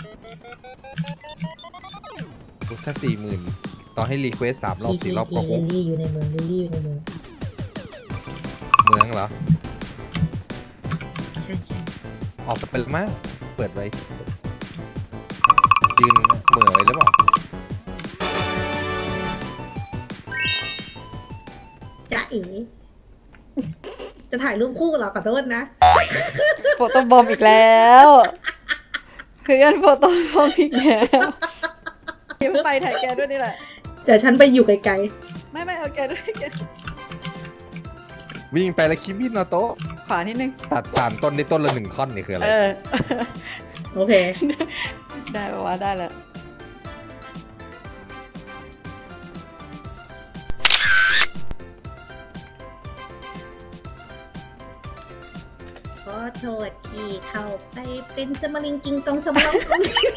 ถ้า40,000ต่อให้รีเควส3 รอบ4 รอบก็ลิคุ้ลมลี่อยู่ในเมืองลิลลี่อยู่ในเมืองเมืองเหรอใช่ใช่ออกไปแล้วมั้งเปิดไว้ยืนเหม่อไว้หรือเปล่าจ๊ะเอ๋จะถ่ายรูปคู่เหรอขอโทษนะโฟโต้บอมอีกแล้วเพื่อนโฟโต้บอมอีกแล้วเดี๋ยวไปถ่ายแกด้วยนี่แหละเดี๋ยวฉันไปอยู่ไกลไม่เอาแกด้วยแกวิ่งไปแล้วคิมินโนโตะขวานิดนึงตัด3 ต้นได้ต้นละ1 ท่อนนี่คืออะไรๆ โอเคได้ปะวะได้แล้วขอโทษที่เข้าไปเป็นสมริงกิงกองสมรอง